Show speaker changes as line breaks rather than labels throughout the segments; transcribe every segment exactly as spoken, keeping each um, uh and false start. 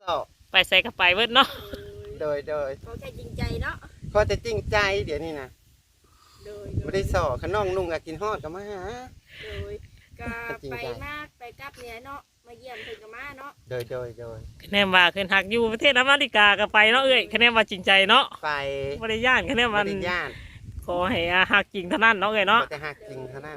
ไปใส่กับไปเบิดเนาะ
โดยโดย
เขาแค่จริงใจเนาะ
พอจะจริงใจเดี๋ยวนี้นะ
โดย
ไม่ได้สอขน้องนุ่งกับกินฮอดกับมาหา
โดยก็ไปมากไปกลับเนี่ยเนาะมาเยี่ยมเพิ่นกับมาเนาะ
โดยโดยโดย
คะแนนว่าขึ้นหักอยู่ประเทศอเมริกาก็ไปเนาะเอ้ยคะแนนว่าจริงใจเนาะ
ไป
ไม่ได้ย่านคะแนนมัน
ไม่ได้ย่าน
ขอให้หักจริงเท่านั้นเนาะเอ้ยเนาะ
แต่หักจริงเท่านั้น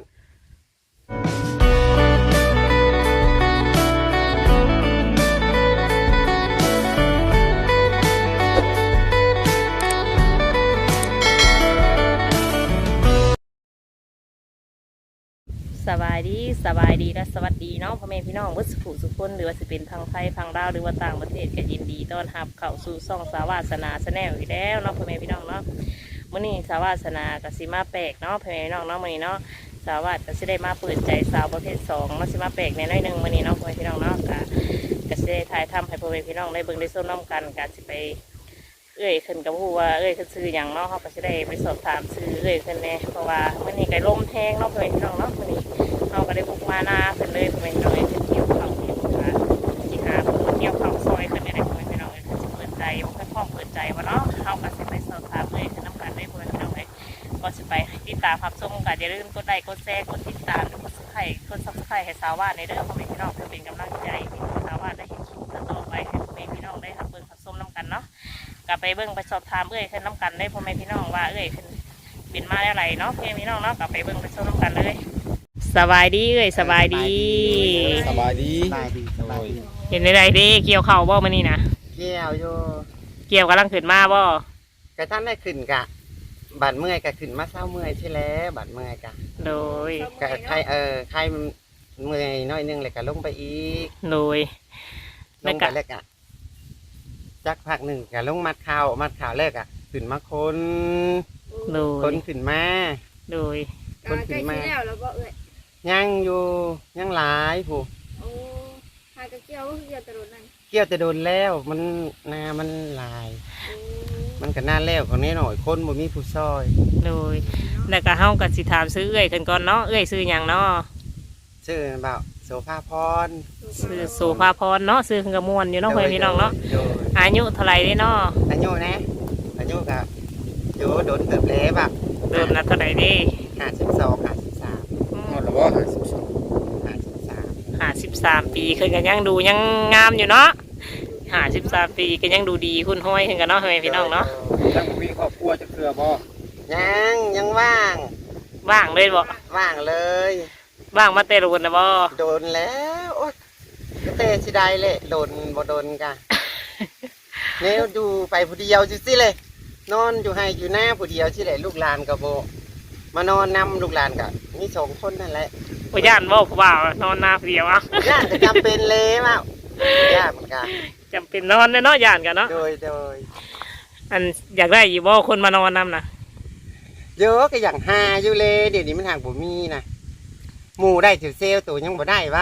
สบายดีสบายดีและสวัสดีเนาะพ่อแม่พี่น้องวัดสุขสุขคนหรือว่าจะเป็นทางไทยทางดาวหรือว่าต่างประเทศก็ยินดีต้อนรับเข้าสู่ช่องสาวาสนาแนลอีกแล้วเนาะพ่อแม่พี่น้องเนาะมื้อนี้สาวาสนากสิมาแปลกเนาะพ่อแม่พี่น้องเนาะมื้อนี้เนาะสาวาสก็สิได้มาเปิดใจสาวประเภทสองมาสิมาแปลกในน้อยหนึ่งมื้อนี้เนาะพ่อแม่พี่น้องเนาะก็ก็สิได้ถ่ายทำให้พ่อแม่พี่น้องได้เบิ่งได้ชมน้ำกันก็สิไปเอ้ยขึ้นกับผู้ว่าเอ้ยขึ้นซื้ออย่างเนาะเขาก็จะได้ไปสอบถามซื้อเอ้ยขึ้นแน่เพราะว่ามื้อนี้ไก่ลมแห้งเนาะพ่อแม่พี่น้องเนาะมื้อนี้เขาก็ได้บุกมาหน้าขึ้นเลยพ่อแม่พี่น้องเอ้ยขึ้นเกี่ยวข้าวเกี่ยวขาที่หาเกี่ยวข้าวซอยขึ้นได้พ่อแม่พี่น้องเอ้ยขึ้นจะเปิดใจว่าขึ้นพ่อเปิดใจว่าเนาะเขาก็จะไปสอบถามเอ้ยขึ้นน้ำกันได้พ่อแม่พี่น้องเอ้ยก็จะไปติดตามรับชมกันอย่าลืมกดไลค์กดแชร์กดติดตามกดซับสไครต์กดซับสไครต์ให้สาวาในเด้อพ่อแม่พี่น้องเพื่อเป็นกำลังใจให้สาวาได้เห็นคลิปต่อไปให้พ่อแม่พี่น้องได้รับเบิ่งรับชมน้ำกันเนาะกลับไปเบิ่งไปสอบถามเอ้ยขึ้นน้ำกันได้พ่อแม่พี่น้องว่าเอ้ยขึ้นบินมาอะไรเนาะพ่อแม่พี่น้องเนาะกลับไปเบิ่งไปชมน้ำกันเลยสบายดีเอ้ยสบายดี
สบายดี
สบายดีสบายดี
เห็นอะไรดีเกี่ยวเข่าบ่มานี่นะ
เกี่ยวอยู่
เกี่ยวกำลังขึ้นมาบ่
กระท่านได้ขึ้นกะบัดเมื่อยกะขึ้นมาเศร้าเมื่อยใช่แล้วบัดเมื่อยกะ
โดย
กะใครเออใครเมื่อยน้อยนึงเลยกะลงไปอีก
โดย
ลงไปแล้วกะจักพักหนึ่งกะลงมัดข่าวมัดข่าวแรกอะขึ้นมาคนคนขึ้นมา
โดย
คนขึ้นมาแล้วแล้วก็เอ้ย
ยังอยู่ยังหลายผู้
โอ้หากระเกี่ยวก็เกี่ยวตะโดนนั่น
เกี่ยวจะโดนแล้วมันนามันลายมันก็น่าแล้วของนี้หน่อยคนบ่มีผู้ซอย
โดยแล้วก็เฮาก็สิถามซื้อเอ้ยขึ้นก่อนเนาะเอ้ยซื้อหยังเนาะ
ซื้อเบาโสภาพร
ซื้อโสภาพรเนาะซื้อขึ้นกระมวลอยู่เนาะเพื่อนพี่น้องเนาะอายุเท่าไหร่เด้เนาะ
อายุนะอายุกับอยู่โดนเติบเล็บอ่ะ
เติบนัดเท่าไหร่ดิ
ห้าสิบสองห้าสิบสาม
หมดแล้วว่าห้าสิบสอง
ห้าสิบสาม
ห้าสิบสามปีขึ้นกันยังดูยังงามอยู่เนาะห้าสิบสามปีก็ยังดูดีคุณห้อยขึ้นกันเนาะเพื่อนพี่น้องเนาะ
ยังมีครอบครัวจะเครือบ่
ยังยังว่าง
ว่างเลยบ่
ว่างเลย
ว่างมาเตะโดนนะบ่
โดนแล้วโอ๊ยเตะสิได้เลยโดนบ่โดนกันเนี่ยดูไปผู้เดียวสิเลยนอนอยู่ให้อยู่หน้าผู้เดียวสิเลยลูกหลานกับโบมานอนนำลูกหลานกับมีสองคนนั่นแหละ
ผู้ย่านบ่ผู้บ่าวนอนหน้าผู้เดียวอ่ะ
ย่านจะจำเป็นเลยมั้งย่านกัน
จำเป็นนอนเลยเนาะย่านกันเนาะ
โดยโดย
อันอยากได้อยู่บ่คนมานอนนำนะ
เยอะก็อย่างหาอยู่เลยเดี๋ยวนี้มันห่างบ่มีนะหมูได้ถือเซลตัวยังบ่ได้วะ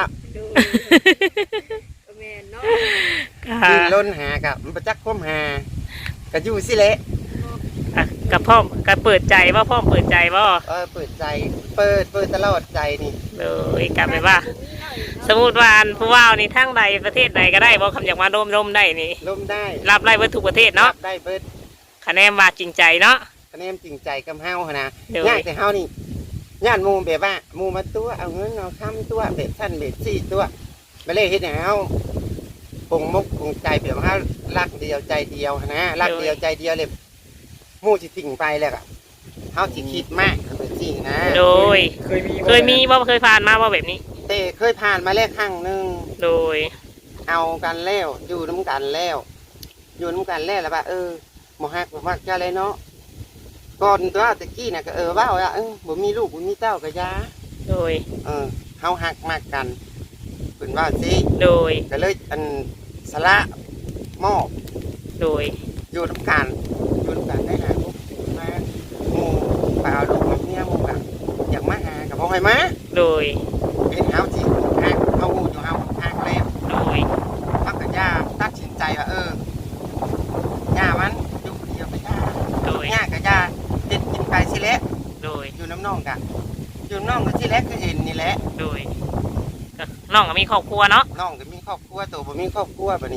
แม่เนาะ
ดินล้นหากับมันประจักษ์คมหาก็อยู่สิเละ
กับพ่อกับเปิดใจว่าพ่อเปิดใจว่า
เออเปิดใจเปิดเปิดตลอดใจนี่
เลยกลับไปว่าสมมติว่าผู้ว่านี่ทั้งใดประเทศใดก็ได้บอกคำอยากมาร่มร่มได้นี่
ร่มได้
รับไล่เบิดทุกประเทศเนาะ
ได้เบิด
คะแนนมาจริงใจเนาะ
คะแนนจริงใจกับเฮาขนาดย่างแต่เฮานี่ย่านมูแบบว่ามูมาตัวเอาเงินเอาคำตัวเบ็ดสั้นเบ็ดสี่ตัวไปเลยเห็นเฮาคงมุกคงใจแบบว่ารักเดียวใจเดียวนะรักเดียวใจเดียวเลยมูจิสิ่งไปเลยอะเฮาจิคิดมากเป็นจริงนะ
โดยเคยมีเคยมีว่าเคยผ่านมาว่าแบบนี้
เต้เคยผ่านมาแล้วครั้งหนึ่ง
โดย
เอากันแล้วอยู่น้ำกันแล้วอยู่น้ำกันแล้วแล้วว่าเออหมอฮักหมอฮักจะอะไรเนาะก่อนตัวตะกี้น่ะก็เออว่าว่าเออบ่มีลูกบ่มีเต้าก็ยา
โดย
เออเฮาฮักมากกันเป็นว่าสิ
โดย
ก็เลยอันสละมอบ
โดย
อยู่น้ำกันอยู่น้ำกันได้หาลูกมาหมู่ไปเอาลูกมาเนี่ยหมู่กับอยากมาหากับพ่อให้มา
โดย
เป็นเฮาที่ฮักเฮาหูอยู่เฮาฮักแล้ว
โดย
พักกับย่าตัดสินใจว่าเออย่ามันอยู่คนเดียวไปย่า
โดย
ย่ากับย่าเด็ดกินไปสิเละ
โดย
อยู่น้ำน่องกันอยู่น้ำน่องก็สิเละก็เห็นนี่แหละ
โดยน้องก็มีครอบครัวเนาะ
น้องก็มีครอบครัวตัวบ่มีครอบครัวแบบนี้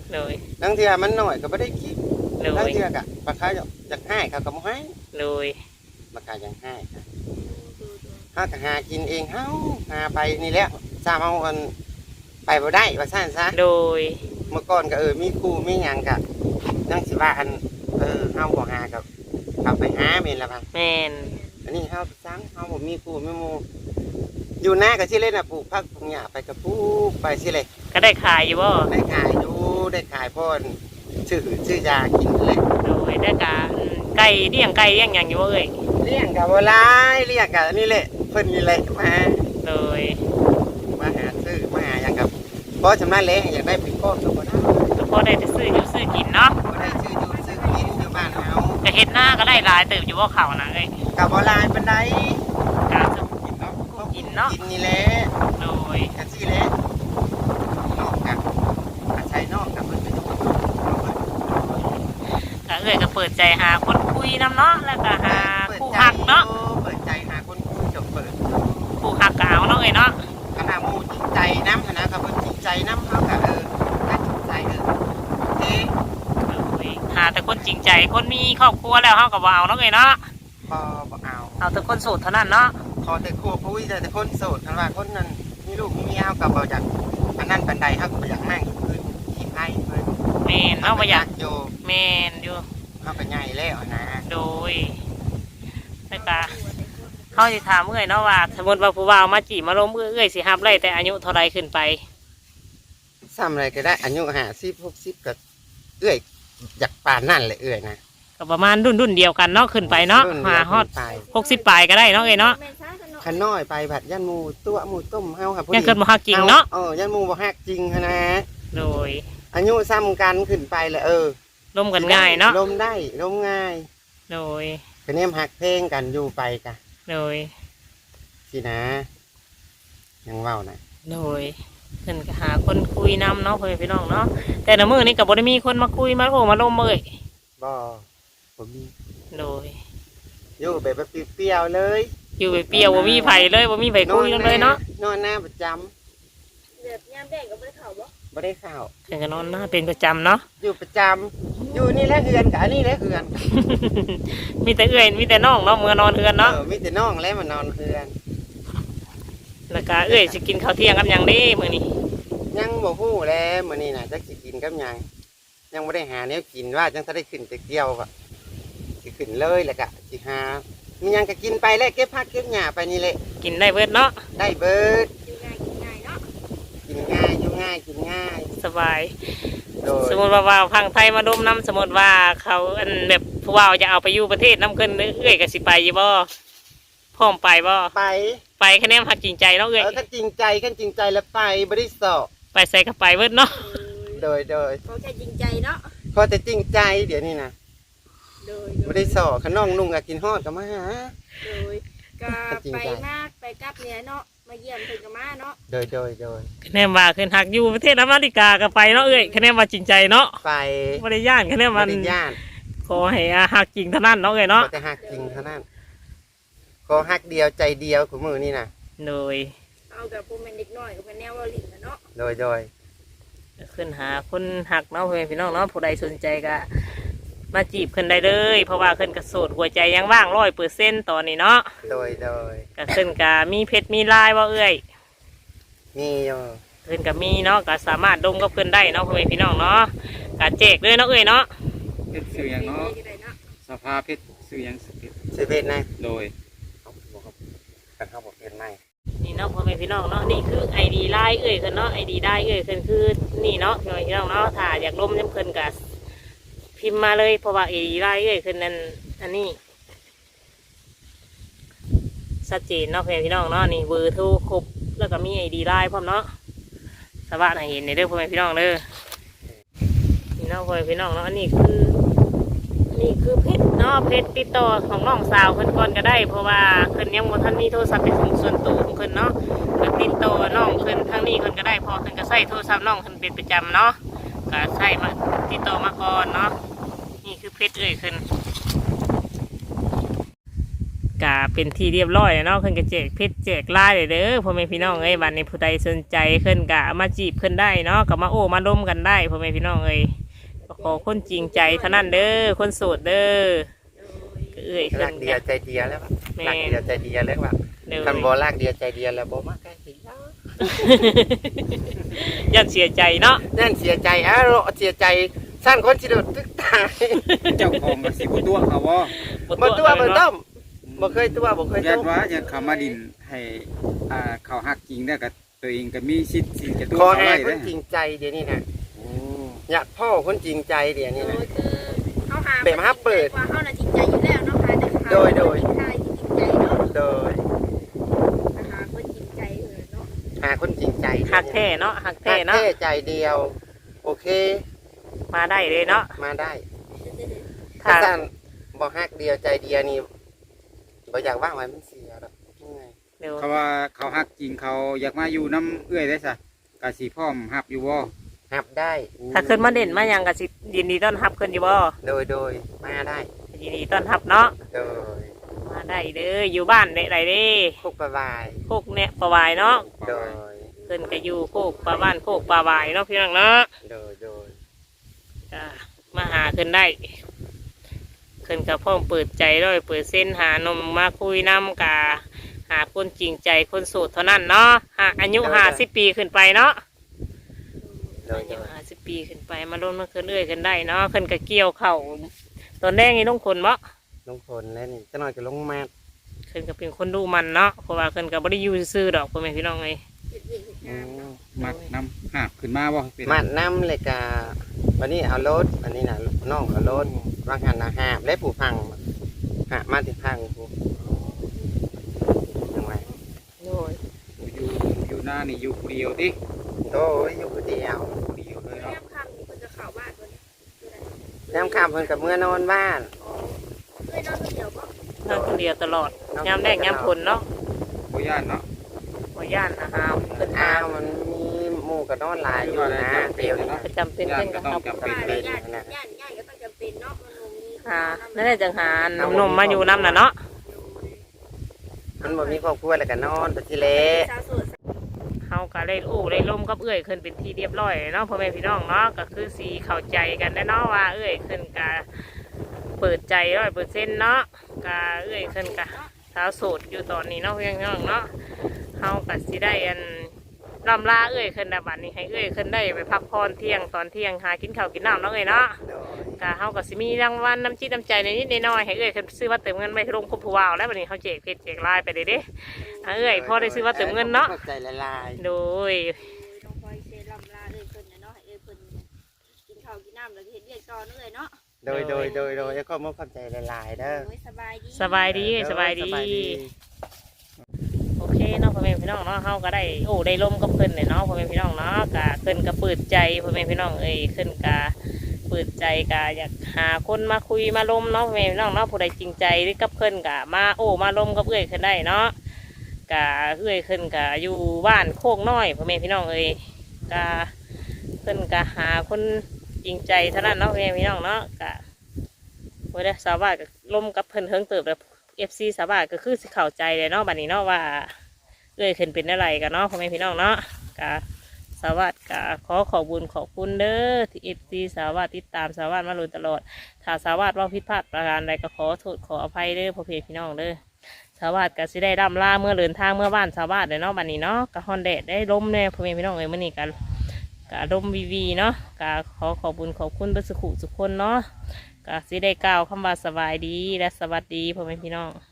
โดย
บางเทื่อมันน้อยก็บ่ได้กิน
โด
บาง
ย
เทื่อก็ปลาขายอยากให้เขาก็บ่ให้
โดย
ปลาขายอยากให้ค่ะ
ดูดู
เฮาก็หากินเองเฮาหาไปนี่แหละซ้ำเอาอันไปบ่ได้ว่าซั่นซะ
โดย
เมื่อก่อนก็เออมีครูมีหยังก็จังสิว่าอันเออเฮาบ่หากับเอาไปหาแม่นละพัง
แม่น
อันนี้เฮาซังเฮาบ่มีครูมีหมู่อยู่หน้าก็สิเล่นน่ะปลูกผักปลูกหญ้าไปก็ปลูกไปสิเลย
ก็ได้ขายอยู่บ่
ได้ขายอยู่ได้ขายพ่อนชื่อชื่อยากินนั่นแหละ
โดยได้กะไก่เลี้ยงไก่เลี้ยงหยังอยู่บ่เอ้ย
เลี้ยงก็บ่หลายเลี้ยงก็นี่แหละเพิ่นนี่แหละมา
โดย
มาหาซื้อมาหาหยังกับบ่ชำนาญแลอยากได้เป็นก้อนก็บ่ได้
ก็พอได้แต่ซื้ออยู่ซื้อกินเนาะ
บ่ได้ซื้ออยู่ซื้อกินอยู่บ้านเฮา
ก็เฮ็ดหน้าก็ได้หลายเติบอยู่บ่เขานะเอ้ย
ก็บ่หลายปานใด
กะจะกินเนาะ
กินนี่แหละ
โดย
กันสิแหละนอกกันอาศัยนอกกันเพิ่นเป็นคนนอกเพิ่น
ก็เอ้ยก็เปิดใจหาคนคุยนำเนาะแล้วก็หาคู่ฮักเนาะ
เปิดใจหาคนคุยจบเปิด
คู่ฮักก็เอาเนาะเอ้ยเนาะ
ขณะหมู่จริงใจนำนะครับเพิ่นจริงใจนำเฮาก็เออถ้าจริงใจเออเอ๊ะ
โดยหาแต่คนจริงใจคนมีครอบครัวแล้วเฮาก็บ่เอาเนาะเอ้ยเนาะ
บ่บ่เอา
เอาแต่คนโสดเท่านั้นเนาะ
ขอแต่ครัวคุยแต่คนโสดคันว่าคนนั้นมีลูกมีเมียเฮาก็บ่อยากอันนั้นปานใดเฮาก็บ่อยากนั่งอยู่คืนขี้ไผเพิ่น
แม่นเนาะบ่อยาก
อยู่
แม่นอยู่
เฮาก็ใหญ่แล้วนะ
โดยแล้วก็เขาสิถามเอ้ยเนาะว่าสมมติว่าผู้บ่าวมาจีบมาล้มเอ้ยสิรับได้แต่อายุเท่าไรขึ้นไป
ซ้ำอะไรก็ได้อายุห้าสิบ หกสิบก็เอื้อยอยากปานนั่นแหละเอื้อยนะ
ก็ประมาณรุ่นรุ่นเดียวกันเนาะขึ้นไปเนาะ
รุ่
หาฮอด
ไป
หกสิบปลายก็ได้เนาะเอ้ยเนาะ
แม่นซ่ากันเนาะ
ขันน้อยไปผัดยันหมูตัวหมูต้มเฮาค่ะ
ยังเกิดมาฮักจริงเนาะ
เออยันหมูบ่ฮักจริงหั้นนะ
โดย
อายุซ้ำกันขึ้นไปเลยเออ
ล้มกันง่ายเนาะ
ลมได้ลมง่าย
โดย
คะแนนหักเพลงกันอยู่ไปกะ
โดย
สินะ ยังเว้านะ
โดยเพิ่นก็หาคนคุยนำเนาะเพื่อนพี่น้องเนาะแต่ละมื้อนี้ก็บ่ได้มีคนมาคุยมาโอ้มาล้มเอ้ย
บ่บ่มี
โดย
อยู่แบบว่าเปรี้ยวๆเลย
อยู่ไปเปรียวบ่มีไผเลยบ่มีไผคุยกันเลยเนาะ
นอนหน้าประจำ
แบบยามแดงก็บ่ได้เข้าบ่
บ่ได้ข้าว
เพิ่นก็นอนหน้าเป็นประจำเนาะ
อยู่ประจำอยู่นี่แหละเฮือนกะอันนี้แหละเฮือน
มีแต่เอื้อยมีแต่น้องเนาะเมื่อนอนเฮือนเนาะ
เออมีแต่น้องแล้วมานอนเฮือน
แล้วก็เอื้อยสิกินข้าวเที่ยงกับหยังเด้มื้อนี้
ยังบ่ฮู้แล้วมื้อนี้น่ะจักสิกินกับหยังยังบ่ได้หาแนวกินว่าจังจะได้ขึ้นไปเกี่ยวก็สิขึ้นเลยแหละกะสิหามีหยังก็กินไปแล้วเก็บผักเก็บหญ้าไปนี่แหละ
กินได้เบิดเนาะ
ได้เบิด
กินง่ายกินง่ายเนาะ
กินง่ายอยู่ง่ายกินง่าย
สบาย
โดย
สมมติว่าว่าพังไทยมาดมน้ำสมมติว่าเขาอันแบบผู้ว่าจะเอาไปอยู่ประเทศน้ำเกินเอื้อยก็สิไปอยู่บ่พร้อมไปบ่
ไป
ไปคะแนนหักจริงใจเนาะเอื้อย
เออถ้าจริงใจกันจริงใจแล้วไปบ่ได้สอบ
ไปใส่ก็ไปเบิดเนาะ
โดยโดย
เขาแค่จริงใจเนาะ
พอแต่จริงใจเดี๋ยวนี้นะ
โดย
บ่ได้สอบขน้องนุ่งก็กินฮอดก็มาหา
โดยก็ไปมากไปกลับเนี่ยเนาะมาเยี่ยมเพิ่นก็มาเนาะ
โดยโดยโดย
คะแนนว่าขึ้นหักอยู่ประเทศอเมริกาก็ไปเนาะเอื้อยคะแนนว่าจริงใจเนาะ
ไป
บ่ได้ย่านคะแนน
บ่
มัน
ได้ย่าน
ขอให้หักจริงเท่านั้นเนาะเอ้ยเนาะ
ขอแต่ฮักจริงเท่านั้นขอฮักเดียวใจเดียวของมือนี่นะ
โดย
เอากับผู้แม่นเด็กน้อยก็เป็นแนวเว้าลิ้นน่ะเนาะ
โดยโดย
ขึ้นหาคนหักเนาะเพื่อนพี่น้องเนาะผู้ใดสนใจก็มาจีบขึ้นได้เลย เพราะว่าขึ้นกระโสดหัวใจยังว่างร้อยเปอร์เซ็นต์ตอนนี้เนาะ
โดยโดย
ก็ขึ้นกะมีเพชรมีลายว่าเอ้ย
มีอยู่
ขึ้นกับมีเนาะก็สามารถดมกับเพื่อนได้เนาะเพื่อนพี่น้องเนาะกะแจกเลยเนาะเอ้ยเนาะ
เพชรสื่อหยังเนาะ
ก็ได้เนาะ
สภาเพชรสื่อหยังสเพชร
สิเพศนะ
โดย
เอาบอกครับกันเข้าบอกเพศไหน
นี่เนาะพ่อแม่พี่น้องเนาะนี่คือไอดีไลน์เอ้ยขึ้นเนาะไอดีได้เอ้ยขึ้นคือนี่เนาะพ่อแม่พี่น้องเนาะถ้าอยากดมน้ำเพิ่นกะพิมพ์มาเลยเพราะว่าไอดีไลน์เอ้ยขึ้นนั่นอันนี้ชัดเจนเนาะพ่อแม่พี่น้องเนาะนี่เบอร์โทรครบแล้วก็มีไอดีไลน์พร้อมเนาะสวัสดีเห็นในเด้อพ่อแม่พี่น้องเด้อนี่เนาะพ่อแม่พี่น้องเนาะอันนี้คือนี่คือเพชรเนาะเพชรติดต่อของน้องสาวเพิ่นก่อนก็ได้ เพราะว่าเพิ่นยังบ่ทันมีโทรศัพท์เป็นของส่วนตัวของเพิ่นเนาะก็ติดต่อน้องเพิ่นทางนี้เพิ่นก็ได้เพอเพิ่นก็ใช้โทรศัพท์น้องเพิ่นเป็นประจำเนาะก็ใช้มาติดต่อมาก่อนเนาะนี่คือเพชรเอ่ยเพิ่นกะก็เป็นที่เรียบร้อยแล้วเนาะเพิ่นก็แจกเพชรแจกลายเลยเด้อพ่อแม่พี่น้องเอ้ยบัดนี้ผู้ใดสนใจเพิ่นก็มาจีบเพิ่นได้เนาะก็มาโอ้มาล้มกันได้พ่อแม่พี่น้องเอ้ยก็ขอคนจริงใจเท่านั้นเด้อคนโสดเด้อก็เอ้ย
รั
เพิ่
ก
น
เดียวใจเดียวแล้วแบบรักเดียวใจเดียวแล้วแบบ
เด้อ
คันบ่รักเดียวใจเดียวแล้วบ่มาใกล้สิแล้ว
ยันเสียใจเนาะ
นั่นเสียใจอ้าวเสียใจสร้างคนสิโดดตึกตาย
เจ้าของก็สิบ่ตัวเขาบ่
บ่ตัวบ่ต้มบ่เคยตัวบ่เคย
ยั
ต้
น
ม
ว่ายังเขามาดินให้อ่าเขาฮักจริงได้ก็ตัวเองก็มีสิทธิ์สิจะตัว
ขอ
เขา
ให้
ไว้
ค
เด้
นจริงใจเดี๋ยวนี้นะ
โอ้
อยากพ่อคนจริงใจเดี๋ยวนี้
โด
นะ
ยคือเขาหา
แบบฮับเปิด
ว่าเขาน่ะจริงใจอยู่แล้วเนาะค่ะแต่เขา
โดยโดย
ใช่ที่จริงใจเนาะ
โดย
หาคนจริงใจเออเนาะ
หาคนจริงใจ
หักแท้เนาะหัก
หั
แท้
ก
เนาะ
แท้ใจเดียว โอเค
มาได้เลยเนาะ
มาได้
ถ้า
ถ้าท่านบ่ฮักเดียวใจเดียวนี่บ่อยากว่างไว้มันเสียหรอกยังไง
เดี๋ยว
เขาว่าเขาฮักจริงเขาอยากมาอยู่น้ำเอื้อยได้ซะก็สิพร้อมรับอยู่บ่
หับได้
ถ้าขึ้นมาเด่นมาหยังก็สิยินดีต้อนรับขึ้นอยู่บ่
โดยโดยมาได้
ยินดีต้อนรับเนาะ
โดย
มาได้เด้ออยู่บ้านได้ไรเด้
คุกประวาย
โคกเนี่ยปลาวายเนาะ
โดย
ขึ้นก็อยู่โคกปลาบ้านโคกปลาวายเนาะพี่น้องเนาะ
โดยโดย
อ่ามาหาขึ้นได้ขึ้นกับพ่อมเปิดใจด้วยเปิดเส้นหานมมาคุยน้ำกาหาคนจริงใจคนโสดเท่านั้นเนาะหาอายุห้าสิบปีขึ้นไปเนาะ
โดย
อา
โด
ยุ
ย
ห้าสิบปีขึ้นไปมาล้นมาขึ้นเรื่อยกันได้เนาะขึ้นกับเกี่ยวเข่าตอนแรกนี่ต้องคนบ่
ลงพลแล้วนี่จะหน่อยก็ลงมา
ขึ้นกับเป็นคนดูมันเนาะเพราะว่าขึ้นกับบริยูซื่อๆดอกพ่อแม่พี่น้องไง
เฮ็ดเวียกเฮ็ด
อื
งาน
ม
เนาะ
มักน้ำหาบขึ้นมาบ่เป็น
มาดน้ำเลยกาวันนี้เอารถอันนี้นะน้องเอารถวางหันนะหาบและผูพังหามาถึงพังผูยังไง
โอ้ย
อยู่อยู่หน้านี่อยู่ผู้เดียวติ
โดยอยู่คนเดียว
ผู้เดียวเลย
แม่
เนาะ
คำนี่เพิ่นจะเข้าบ้านตัวนี้คืออะไร
น้ำข้ามเพิ่นกับเมื่อนอนบ้าน
เคยนอนคนเดียวบ่
นั่งคนเดียวตลอดยามแรกยามผลเนาะ
บ่ย่านเนาะ
บ่ย่านนะฮะขึ้น
อ้า
หาว
มันมีหมู่กับนอนหลายอยู่นะเดียวนี่
ประจำเป็นเพิ่นก็ครับ
บ้านญาติญาติญาติก็ต้องจำเป็นเนาะมันบ่มี
หานั่นแหละจังหาหนุ่มๆมาอยู่น้ำน่ะเนาะ
มันบ่มีครอบครัวแล้วก็นอนไปที่เละ
สาวโสด
เฮาก็ได้โอ้ได้ล่มกับเอื้อยขึ้นเป็นที่เรียบร้อยเนาะพ่อแม่พี่น้องเนาะก็คือสีเข้าใจกันได้เนาะว่าเอื้อยขึ้นกะเปิดใจร้อยเปอร์เซ็นต์เนาะกะเอื้อยขึ้นกะสาวโสดอยู่ตอนนี้เนาะพี่น้องเนาะเฮาก็สิได้อันลำลาเอื้อยขึ้นนะบัดนี้ให้เอื้อยขึ้นได้ไปพักผ่อนเที่ยงตอนเที่ยงหากินข้าวกินน้ำเนาะเอ้ยเนาะ
โดย
กะเฮาก็สิมีรางวัลน้ำจิตน้ำใจในนิดในน้อยให้เอื้อยขึ้นซื้อว่าเติมเงินไปลงคุบผู้วาวแล้วบัดนี้เฮาแจกเพชรแจกลายไปเด้เด้อ่ะเอื้อยพอได้ซื้อว่าเติมเงินเนาะ
ข้ใจละลาย
โดย
ต้องคอยเซรั่มลาเลยเพิ่นน่ะเนาะให้เอ้ยเพิ่นกินข้าวกินน้ำแล้วก็เฮ็ดเวียกต่อเนาะเอ้ยเนาะ
โดยโดยโดยโดยแล้วก็มอบความใจละลายเด้อ
โอ้ยสบายดี
สบายดีสบายดี โอเคเนาะพ่อแม่พี่น้องเนาะเฮาก็ได้โอ้ได้ร่มกับเพิ่นเลยเนาะพ่อแม่พี่น้องเนาะกะเพิ่นก็เปิดใจพ่อแม่พี่น้องเอ้ยเพิ่นกะเปิดใจกะอยากหาคนมาคุยมาล้มเนาะพ่อแม่พี่น้องเนาะผู้ใดจริงใจหรือกับเพิ่นกะมาโอ้มาล้มกับเอ้ยขึ้นได้เนาะกะเอ้ยขึ้นกะอยู่บ้านโคกน้อยพ่อแม่พี่น้องเอ้ยกะเพิ่นกะหาคนจริงใจเท่านั้นเนาะพ่อแม่พี่น้องเนาะกะโอ้ยได้สาวบ้านก็ล้มกับเพิ่นเฮิงเติบแล้วเอฟซีสาวบ้านก็คือสิเข้าใจเลยเนาะบัดนี้เนาะว่า เอ้ยขึ้นเป็นอะไรกันเนาะพ่อแม่พี่น้องเนาะกะสวัสดิ์กะขอขอบุญขอบคุณเด้อที่เอฟซีสวัสดิ์ติดตามสวัสดิ์มาโดยตลอดถ้าสวัสดิ์ว่าผิดพลาดประการใดก็ขอโทษขออภัยเด้อพ่อพี่น้องเด้อสวัสดิ์กะสิได้ร่ำลาเมื่อเดินทางเมื่อบ้านสวัสดิ์เลยเนาะบัดนี้เนาะกะฮอนแดดได้ล้มแน่พ่อแม่พี่น้องเอ้ยมื่อนี้กันกะล้มวีวีเนาะกะขอขอบุญขอบคุณเบรรสุขุสุขคนเนาะกะสิได้กล่าวคำว่าสบายดีและสวัสดีพ่อแม่พี่น้อง